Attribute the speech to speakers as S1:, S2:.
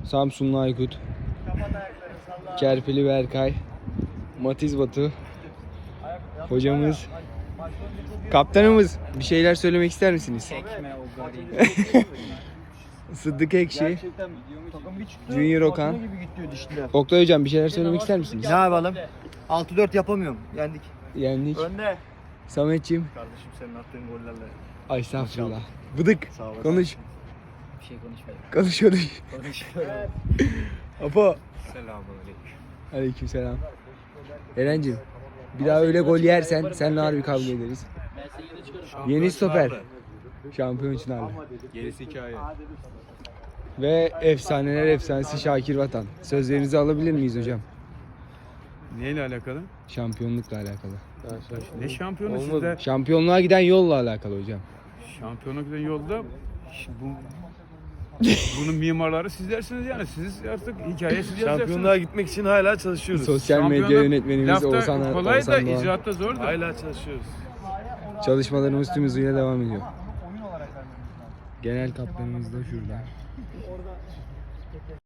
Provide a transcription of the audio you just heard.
S1: Samsunlu Aykut, Kerpili Berkay, Matiz Batu, hocamız, kaptanımız. Bir şeyler söylemek ister misiniz? Sıddık Ekşi, Junior Okan. Oktay hocam bir şeyler söylemek ister misiniz?
S2: Ne yapalım? 6-4 yapamıyorum. Yendik.
S1: Yendik.
S2: Önde.
S1: Sametciğim.
S2: Kardeşim senin attığın gollerle.
S1: Ay estağfurullah. Bıdık.
S2: Sağ olasın.
S1: Konuş.
S2: Bir şey konuşmayalım.
S1: Konuş.
S2: Konuşuyorum.
S1: Apo.
S2: Selamünaleyküm.
S1: Aleykümselam. Erencim. Bir daha öyle gol yersen seninle harbi kavga ederiz. Yeni stoper. Şampiyon Çınarlı.
S2: Gerisi hikaye.
S1: Ve efsaneler efsanesi Şakir Vatan. Sözlerinizi alabilir miyiz hocam?
S3: Neyle alakalı?
S1: Şampiyonlukla alakalı.
S3: Ne şampiyonu sizde?
S1: Şampiyonluğa giden yolla alakalı hocam.
S3: Şampiyona giden yolda bunun mimarları sizlersiniz yani. Siz artık hikayeyi siz
S2: Şampiyonluğa
S3: yazacaksınız.
S2: gitmek için hala çalışıyoruz.
S1: Sosyal medya
S3: Şampiyonluk
S1: yönetmenimiz
S3: lafta
S1: Oğuzhan
S3: kolay da
S1: Doğan.
S3: icraatta zor da.
S2: Hala çalışıyoruz.
S1: Çalışmalarımız tüm hızıyla devam ediyor. Genel kaptanımız da şurada.